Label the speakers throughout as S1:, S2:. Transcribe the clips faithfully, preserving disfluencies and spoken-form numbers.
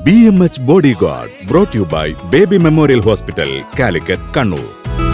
S1: B M H bodyguard brought you by Baby Memorial Hospital, Calicut, Kannur.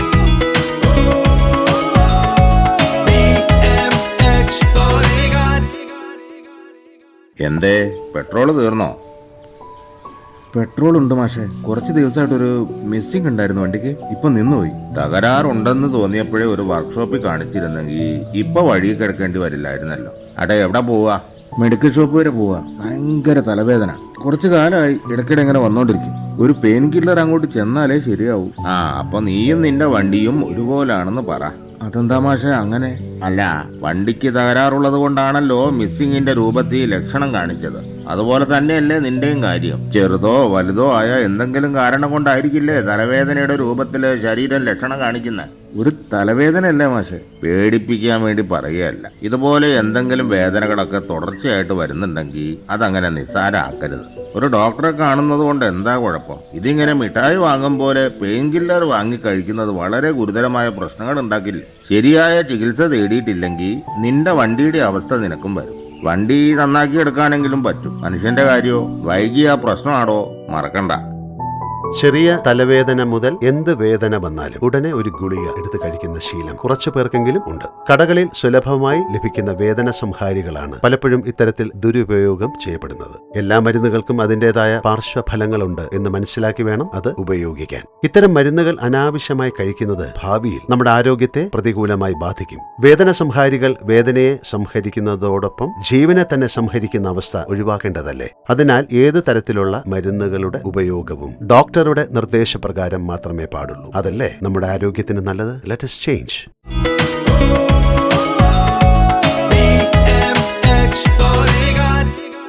S2: എന്തേ petrol തീർന്നോ?
S3: Petrol ഉണ്ട് മാഷെ. കുറച്ച് ദിവസമായിട്ടൊരു മിസ്സിംഗ് ഉണ്ടായിരുന്നു വണ്ടിക്ക്. ഇപ്പൊ നിന്നുപോയി.
S2: തകരാറുണ്ടെന്ന് തോന്നിയപ്പോഴേ ഒരു വർക്ക്ഷോപ്പിൽ കാണിച്ചിരുന്നെങ്കിൽ ഇപ്പൊ വഴി കിടക്കേണ്ടി വരില്ലായിരുന്നല്ലോ. അടെ എവിടെ പോവാ?
S3: മെഡിക്കൽ ഷോപ്പ് വരെ പോവാ. ഭയങ്കര തലവേദന. കുറച്ചു കാലമായി ഇടയ്ക്കിടെ ഇങ്ങനെ വന്നോണ്ടിരിക്കും. ഒരു പെയിൻ കില്ലർ അങ്ങോട്ട് ചെന്നാലേ ശരിയാവൂ.
S2: ആ അപ്പൊ നീയും നിന്റെ വണ്ടിയും ഒരുപോലാണെന്ന് പറ.
S3: അതെന്താ മാഷെ അങ്ങനെ?
S2: അല്ല, വണ്ടിക്ക് തകരാറുള്ളത് കൊണ്ടാണല്ലോ മിസ്സിങ്ങിന്റെ രൂപത്തിൽ ലക്ഷണം കാണിച്ചത്. അതുപോലെ തന്നെയല്ലേ നിന്റെയും കാര്യം. ചെറുതോ വലുതോ ആയ എന്തെങ്കിലും കാരണം കൊണ്ടായിരിക്കില്ലേ തലവേദനയുടെ രൂപത്തില് ശരീരം ലക്ഷണം കാണിക്കുന്നത്.
S3: ഒരു തലവേദനയല്ലേ മാഷെ?
S2: പേടിപ്പിക്കാൻ വേണ്ടി പറയുകയല്ല. ഇതുപോലെ എന്തെങ്കിലും വേദനകളൊക്കെ തുടർച്ചയായിട്ട് വരുന്നുണ്ടെങ്കിൽ അതങ്ങനെ നിസ്സാരമാക്കരുത്. ഒരു ഡോക്ടറെ കാണുന്നത് കൊണ്ട് എന്താ കുഴപ്പം? ഇതിങ്ങനെ മിഠായി വാങ്ങും പോലെ പെയിൻ കില്ലർ വാങ്ങി കഴിക്കുന്നത് വളരെ ഗുരുതരമായ പ്രശ്നങ്ങൾ ഉണ്ടാക്കില്ല. ശരിയായ ചികിത്സ തേടിയിട്ടില്ലെങ്കിൽ നിന്റെ വണ്ടിയുടെ അവസ്ഥ നിനക്കും വരും. വണ്ടി നന്നാക്കി എടുക്കാനെങ്കിലും പറ്റും. മനുഷ്യന്റെ കാര്യമോ വൈകിയ പ്രശ്നമാണോ മറക്കണ്ട.
S4: ചെറിയ തലവേദന മുതൽ എന്ത് വേദന വന്നാലും ഉടനെ ഒരു ഗുളിക എടുത്ത് കഴിക്കുന്ന ശീലം കുറച്ചു പേർക്കെങ്കിലും ഉണ്ട്. കടകളിൽ സുലഭമായി ലഭിക്കുന്ന വേദന സംഹാരികളാണ് പലപ്പോഴും ഇത്തരത്തിൽ ദുരുപയോഗം ചെയ്യപ്പെടുന്നത്. എല്ലാ മരുന്നുകൾക്കും അതിൻ്റെതായ പാർശ്വഫലങ്ങളുണ്ട് എന്ന് മനസ്സിലാക്കി വേണം അത് ഉപയോഗിക്കാൻ. ഇത്തരം മരുന്നുകൾ അനാവശ്യമായി കഴിക്കുന്നത് ഭാവിയിൽ നമ്മുടെ ആരോഗ്യത്തെ പ്രതികൂലമായി ബാധിക്കും. വേദന സംഹാരികൾ വേദനയെ സംഹരിക്കുന്നതോടൊപ്പം ജീവനെ തന്നെ സംഹരിക്കുന്ന അവസ്ഥ ഒഴിവാക്കേണ്ടതല്ലേ? അതിനാൽ ഏത് തരത്തിലുള്ള മരുന്നുകളുടെ ഉപയോഗവും ഡോക്ടർ ഡോക്ടറുടെ നിർദ്ദേശപ്രകാരം മാത്രമേ പാടുള്ളൂ. അതല്ലേ നമ്മുടെ ആരോഗ്യത്തിന് നല്ലത്? Let us change.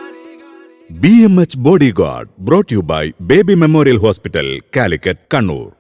S1: B M H bodyguard brought you by Baby Memorial Hospital, Calicut, Kannur.